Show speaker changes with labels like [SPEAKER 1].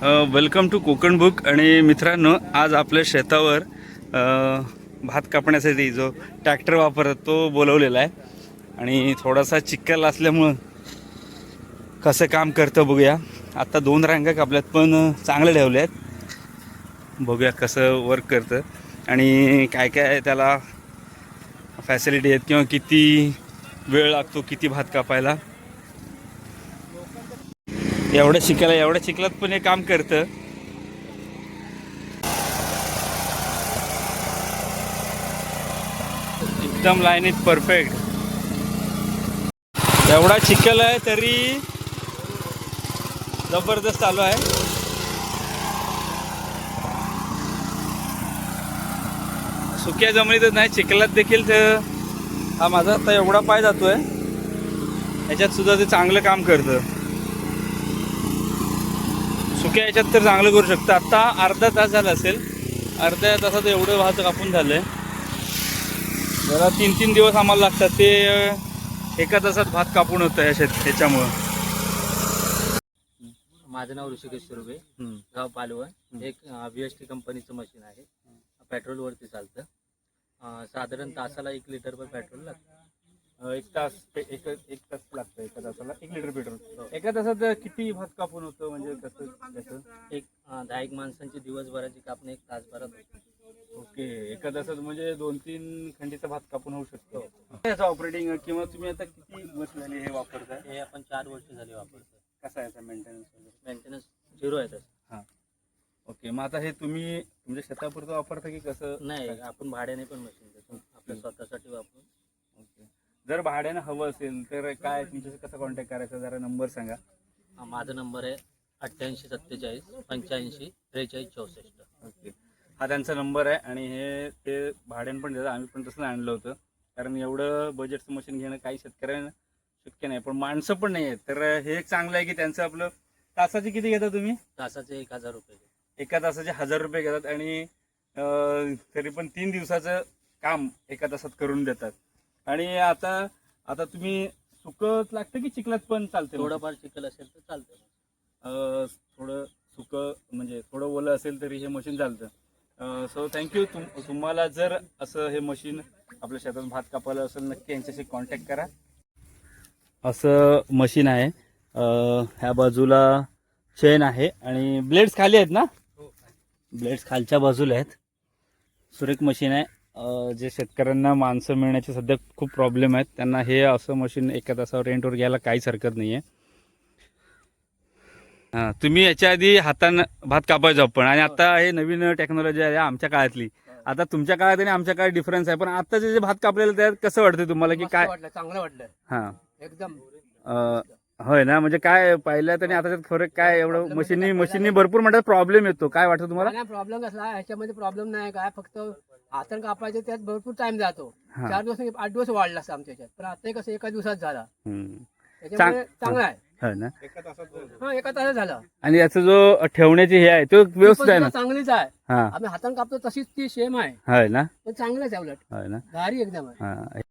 [SPEAKER 1] Welcome to Konkan book. आणि मित्रांनो, आज आपल्या शेतावर भात कापण्यासाठी जो ट्रॅक्टर वापरतो तो बोलवलेला आहे. आणि थोडासा चिखल असल्यामुळं कसं काम करतं बघूया. आता 2 रांगा कापल्यात पण चांगले ठेवले आहेत. बघूया कसं वर्क करतं आणि काय काय त्याला फॅसिलिटी आहेत किंवा किती वेळ लागतो किती भात कापायला. एवढ्या चिखलात पण हे काम करतं. एकदम लाईनीत परफेक्ट. एवढा चिखल आहे तरी जबरदस्त चालू आहे. सुक्या जमिनीतच नाही, चिखलात देखील तर हा माझा आता एवढा पाय जातोय, याच्यात सुद्धा ते चांगलं काम करतं. सुक्या याच्यात तर चांगलं करू शकतं. आता अर्धा तास झाला असेल, अर्ध्या तासात एवढं भात कापून झालंय. जरा 3-3 दिवस आम्हाला लागतात, ते एका तासात भात कापून होतं ह्याच्यामुळं.
[SPEAKER 2] माझं नाव ऋषिकेश सुर्वे, गाव पालवण. एक VST कंपनीचं मशीन आहे, पेट्रोलवरती चालतं. साधारण तासाला 1 लिटर पेट्रोल लागतं.
[SPEAKER 1] एक तास लागतं एका तासाला 1 लिटर पेट्रोल. एका तासात किती भात कापून होतं, म्हणजे कसं त्याचं?
[SPEAKER 2] एक 10 माणसांची दिवसभराची कापणी 1 तासभरात होते.
[SPEAKER 1] ओके, एका तासात म्हणजे 2-3 खंडीचा भात कापून होऊ शकतो. याचं ऑपरेटिंग किंवा तुम्ही आता किती वर्ष झाली हे वापरताय?
[SPEAKER 2] हे आपण 4 वर्ष झाली वापरतो.
[SPEAKER 1] कसं आहे मेंटेनन्स वगैरे?
[SPEAKER 2] मेंटेनन्स 0 आहे तसं.
[SPEAKER 1] हां, ओके. मग आता हे तुम्ही तुमच्या शेतापुरतं वापरता की कसं?
[SPEAKER 2] नाही, आपण भाड्याने पण मशीन देतो, आपल्या स्वतःसाठी वापरून.
[SPEAKER 1] ओके. जर भाड्यानं हवं असेल तर काय तुमच्याशी कसं कॉन्टॅक्ट करायचा, जरा नंबर सांगा.
[SPEAKER 2] माझा नंबर आहे 88 47 85 43 64.
[SPEAKER 1] ओके, हा त्यांचा नंबर आहे. आणि हे ते भाड्यानं पण देतात. आम्ही पण तसं आणलं होतं, कारण एवढं बजेटचं मशीन घेणं काही शेतकऱ्यांना शक्य नाही, पण माणसं पण नाही आहेत. तर हे एक चांगलं आहे की त्यांचं आपलं तासाचे किती घेता तुम्ही?
[SPEAKER 2] तासाचे 1000 रुपये.
[SPEAKER 1] एका तासाचे 1000 रुपये घेतात आणि तरी पण 3 दिवसाचं काम एका तासात करून देतात. आणि आता तुम्ही सुकत लागतं की चिखलात पण चालते?
[SPEAKER 2] थोडंफार चिखल असेल तर चालतं.
[SPEAKER 1] थोडं सुकं म्हणजे थोडं ओलं असेल तरी हे मशीन चालतं. So thank you. तुम्हाला जर असं हे मशीन आपल्या शेतात भात कापायला असेल, नक्की यांच्याशी कॉन्टॅक्ट करा. असं मशीन आहे. ह्या बाजूला चेन आहे आणि ब्लेड्स खाली आहेत ना? ब्लेड्स खालच्या बाजूला आहेत. सुरेख मशीन आहे. जे शेतकऱ्यांना माणसं मिळण्याचे सध्या खूप प्रॉब्लेम आहेत, त्यांना हे असं मशीन एका तासावर रेंटवर घ्यायला काहीच हरकत नाही आहे. हां, तुम्ही याच्या आधी हातानं भात कापायचो आपण, आणि आता हे नवीन टेक्नॉलॉजी आहे आमच्या काळातली. आता तुमच्या काळात आणि आमच्या काळात डिफरन्स आहे, पण आताचे जे भात कापलेलं त्यात कसं वाटतं तुम्हाला की काय?
[SPEAKER 2] चांगलं वाटलं
[SPEAKER 1] हां,
[SPEAKER 2] एकदम.
[SPEAKER 1] होय ना. म्हणजे काय पाहिलं आणि आताच्यात फरक काय? एवढं मशीनी भरपूर म्हणतात प्रॉब्लेम येतो. काय वाटतं तुम्हाला?
[SPEAKER 2] नाही, प्रॉब्लेम कसला ह्याच्यामध्ये प्रॉब्लेम नाही काय, फक्त हातानं कापायचं त्यात भरपूर टाइम जातो. 4 दिवस 8 दिवस वाढला असतं आमच्या ह्याच्यात, पण आता कसं एका दिवसात झाला. त्याच्यामुळे चांगला आहे.
[SPEAKER 1] हो ना.
[SPEAKER 2] हा, एका तासात झाला.
[SPEAKER 1] आणि याचा जो ठेवण्याची हे आहे तो व्यवस्थित आहे ना?
[SPEAKER 2] चांगलीच आहे.
[SPEAKER 1] हां,
[SPEAKER 2] आम्ही हातानं कापतो तशीच ती सेम आहे,
[SPEAKER 1] होय ना.
[SPEAKER 2] पण चांगलंच आहे, उलट
[SPEAKER 1] होय ना.
[SPEAKER 2] भारी एकदम आहे.
[SPEAKER 1] हां.